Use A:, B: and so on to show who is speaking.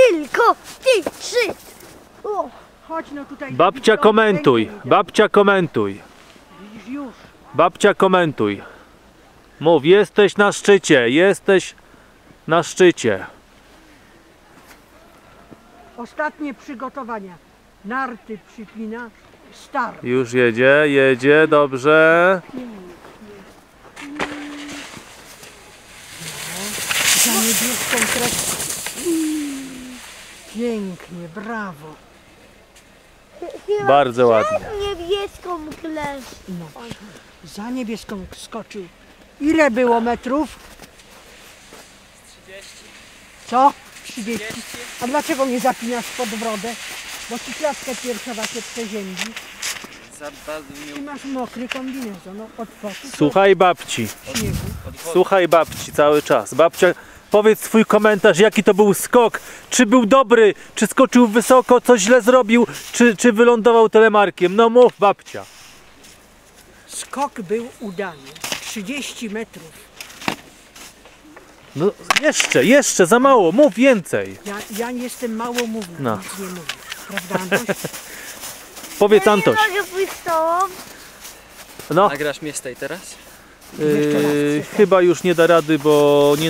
A: tylko ty 3. O,
B: Chodź no tutaj.
C: Babcia komentuj, babcia komentuj.
B: Widzisz już.
C: Babcia komentuj. Mów, jesteś na szczycie, jesteś na szczycie.
B: Ostatnie przygotowania. Narty przypina. Start.
C: Już jedzie, jedzie, dobrze.
B: Za niebieską kreską. Pięknie, brawo.
A: chyba
C: Bardzo ładnie.
A: niebieską klesz.
B: No. Za niebieską skoczył. Ile było metrów?
D: 30.
B: Co? 30. A dlaczego nie zapinasz pod brodę? Bo ci klatkę piersiowa się przeziębi.
D: Za bardzo
B: I
D: mi
B: masz mokry kombinezon no, od potu.
C: Słuchaj babci,
B: Śniegu.
C: słuchaj babci cały czas. Babcia, powiedz swój komentarz, jaki to był skok. Czy był dobry, czy skoczył wysoko, coś źle zrobił, czy wylądował telemarkiem. No mów babcia.
B: Skok był udany. 30 metrów.
C: No jeszcze, za mało, mów więcej.
B: Ja jestem małomówny,
C: No.
B: nic nie mówię. Prawda, Antoś?
C: Powiedz
A: Ja
C: Antoś.
A: nie mogę pójść z tobą.
C: No,
D: Nagrasz mnie z tej teraz?
B: Jeszcze raz.
C: chyba już nie da rady, bo nie